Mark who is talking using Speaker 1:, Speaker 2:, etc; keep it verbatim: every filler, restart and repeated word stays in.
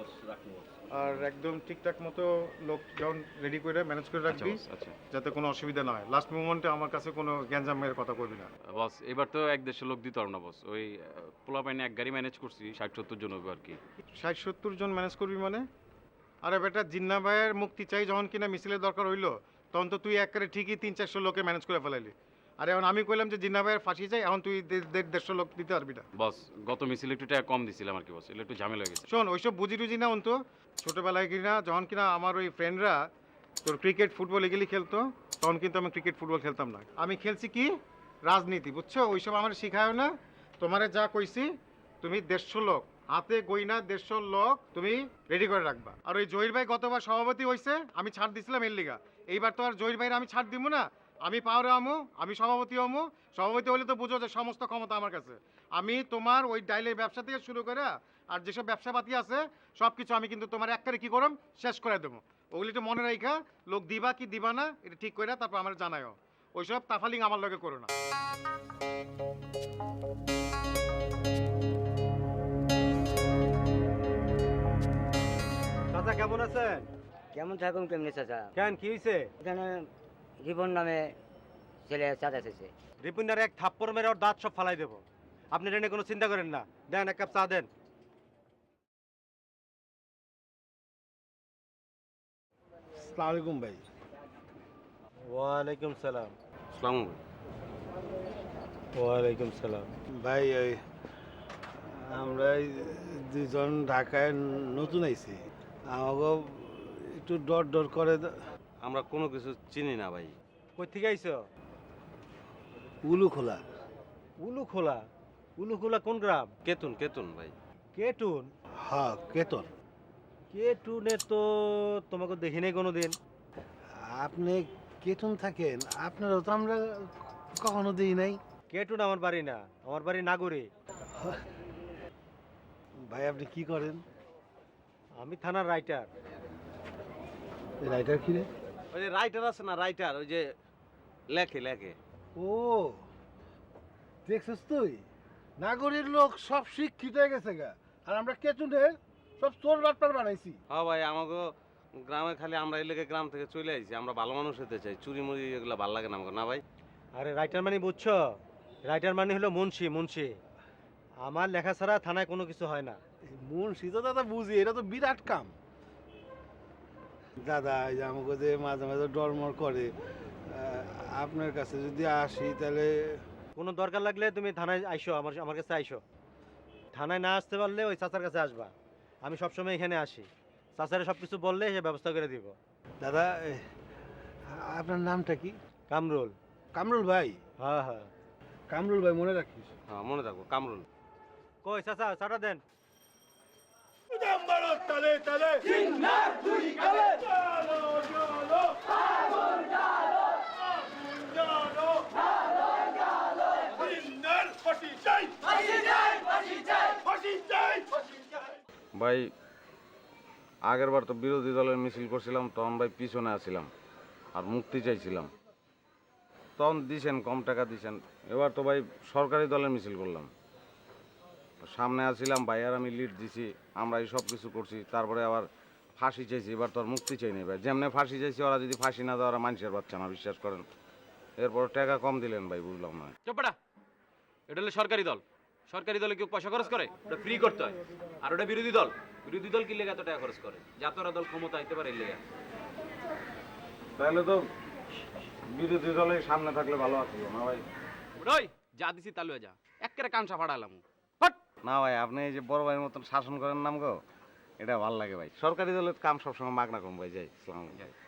Speaker 1: বস রাখবো বস।
Speaker 2: আর একদম ঠিকঠাক মতো লোক যখন রেডি করে ম্যানেজ করে রাখবি,
Speaker 1: আচ্ছা বস, আচ্ছা
Speaker 2: যাতে কোনো অসুবিধা না হয়। লাস্ট মোমেন্টে আমার কাছে কোনো গ্যাঞ্জামের কথা কইবি না।
Speaker 1: বস। এবার তো এক দেশের লোক দিতে পারবো না বস। ওই পোলা পাইনে এক গাড়ি ম্যানেজ করছি, ষাট সত্তর জন হবে আর কি।
Speaker 2: ষাট সত্তর জন ম্যানেজ করবি মানে? আরে বেটা, জিন্না ভাইয়ের মুক্তি চাই যখন কিনা মিছিলের দরকার হইলো, তখন তো তুই একবারে ঠিকই তিন চারশো লোকে ম্যানেজ করে ফেলাইলি। আর এখন আমি কইলাম যে জিন্না ভাইয়ের ফাঁসি চাই, এখন তুই দে- দেড় দেড়শো লোক দিতে পারবি না।
Speaker 1: বস গত মিছিল একটু টাকা কম দিছিলাম আর কি বস, এগুলো একটু ঝামেলা হয়ে গেছে।
Speaker 2: শোন, ওইসব বুঝি টুঝি না অন্ত। ছোটোবেলায় কিনা যখন কিনা আমার ওই ফ্রেন্ডরা তোর ক্রিকেট ফুটবল এগুলি খেলতো, তখন কিন্তু আমি ক্রিকেট ফুটবল খেলতাম না। আমি খেলছি কি রাজনীতি, বুঝছো? ওইসব আমার শিখায় না। তোমারে যা কইছি, তুমি দেড়শো লোক হাতে গইনা দেড়শো লোক তুমি রেডি করে রাখবা। আর ওই জহির ভাই গতবার সভাপতি হয়েছে, আমি ছাড় দিছিলাম এর লিগা। এইবার তো আর জহির ভাইয়ের আমি ছাড় দিব না। আমি পাওয়ারে আমু, আমি সভাপতি হমু। সভাপতি হলে তো বুঝো যে সমস্ত ক্ষমতা আমার কাছে। আমি তোমার ওই ডাইলের ব্যবসা থেকে শুরু করে আর যেসব ব্যবসাপাতি আছে সব কিছু আমি কিন্তু তোমার একবারে কি করম শেষ করে দেবো। ওগুলি একটু মনে রাখা, লোক দিবা কি দিবা না এটা ঠিক করে তারপর আমার জানায়ও। ওইসব তাফালিং আমার লগে করো না।
Speaker 3: চাচা কেমন আছেন?
Speaker 4: কেমন থাকুন কেমনি চাচা?
Speaker 3: কেন কি হয়েছে?
Speaker 4: এখানে রিপন নামে ছেলে চাচা এসেছে।
Speaker 3: রিপুনার এক থাপ্পড় মেরে ওর দাঁত সব ফালাই দেবো। আপনি এটা নিয়ে কোনো চিন্তা করেন না। দেন এক কাপ চা দেন।
Speaker 5: আসসালামু আলাইকুম ভাই।
Speaker 3: ওয়ালাইকুম সালাম।
Speaker 1: সালাম।
Speaker 3: ওয়ালাইকুম সালাম।
Speaker 5: ভাই ওই আমরা এই দুজন ঢাকায় নতুন আইছি, আমাকে একটু ডর ডর করে।
Speaker 1: আমরা কোনো কিছু চিনি না ভাই।
Speaker 3: কই থেকে আইছো?
Speaker 5: উলু খোলা।
Speaker 3: উলু খোলা? উলু খোলা কোন গ্রাম?
Speaker 1: কেতুন কেতুন ভাই।
Speaker 3: কেটুন?
Speaker 5: হ্যাঁ, কেতন।
Speaker 3: কেটুনে তো তোমাকে দেখি নাই কোনোদিন।
Speaker 5: আপনি কেতন থাকেন, আপনারও তো আমরা কখনো দিই নাই।
Speaker 3: কেটুন আমার বাড়ি না, আমার বাড়ি নাগরে।
Speaker 5: ভাই আপনি কি করেন?
Speaker 3: আমি থানার রাইটার।
Speaker 5: রাইটার কি রে?
Speaker 1: ওই যে রাইটার আছে না, রাইটার ওই যে লেখে লেখে।
Speaker 5: ও দেখছিস তুই, নাগরের লোক সব শিক্ষিত হয়ে গেছে গা, আর আমরা কেতুনের সব চোর বাটপার বানাইছি।
Speaker 1: হ্যাঁ ভাই, আমাকে গ্রামে খালি আমরা এলাকে গ্রাম থেকে চলে আইছি। আমরা ভালো মানুষ হতে চাই, চুরি মুড়ি এগুলো ভালো লাগে না আমাকে, না ভাই?
Speaker 3: আরে রাইটার মানে বুঝছো? রাইটার মানে হলো মুন্সি। মুন্সি আমার লেখা ছাড়া থানায় কোনো কিছু হয় না।
Speaker 5: মুন্সি তো দাদা বুঝি, এটা তো বিরাট কাম। দাদা এই যে আমাকে যে মাঝে মাঝে ডরমর করে, আহ, আপনার কাছে যদি আসি তাহলে।
Speaker 3: কোনো দরকার লাগলে তুমি থানায় আইসো, আমার আমার কাছে আইসো। থানায় না আসতে পারলে ওই চাচার কাছে আসবা। আমি সবসময় এখানে আসি। চাচারে সব কিছু বললে সে ব্যবস্থা করে দিব।
Speaker 5: দাদা এ, আপনার নামটা কি?
Speaker 3: কামরুল।
Speaker 5: কামরুল ভাই?
Speaker 3: হ্যাঁ হ্যাঁ।
Speaker 5: কামরুল ভাই মনে রাখিস।
Speaker 1: হ্যাঁ মনে থাকবো, কামরুল।
Speaker 3: কই চাচা চাটা দেন।
Speaker 1: ভাই আগের বার তো বিরোধী দলের মিছিল করছিলাম, তখন ভাই পিছনে আছিলাম আর মুক্তি চাইছিলাম, তখন দিছেন কম টাকা দিছেন। এবার তো ভাই সরকারি দলের মিছিল করলাম, সামনে আছিলাম ভাই আর আমি লিড দিছি, আমরা এই সব কিছু করছি। তারপরে আবার ফাঁসি চাইছি, এবার তো আর মুক্তি চাই নি ভাই। যেমনি ফাঁসি চাইছি, ওরা যদি ফাঁসি না দেয় ওরা মানুষের বাচ্চা না, বিশ্বাস করেন। এরপর টাকা কম দিলেন ভাই, বুঝলাম না।
Speaker 6: চোপড়া, এটা হলো সরকারি দল। সরকারি দলে কেউ পয়সা খরচ করে? ওটা ফ্রি করতে হয়। আর ওটা বিরোধী দল। বিরোধী দল কি লেগে এত টাকা খরচ করে? যাতে ওরা দল ক্ষমতা আইতে পারে লেগে।
Speaker 1: তাহলে তো বিরোধী দলে সামনে থাকলে ভালো আছিল না ভাই?
Speaker 6: ওই যা দিছি তালু যা, একেবারে কানসা ফাড়ালাম।
Speaker 1: না ভাই, আপনি এই যে বড় ভাইয়ের মতন শাসন করেন নাম গো, এটা ভালো লাগে ভাই। সরকারি দলের কাম সবসময় মাগনা কম ভাই। যাই, আসসালামু আলাইকুম।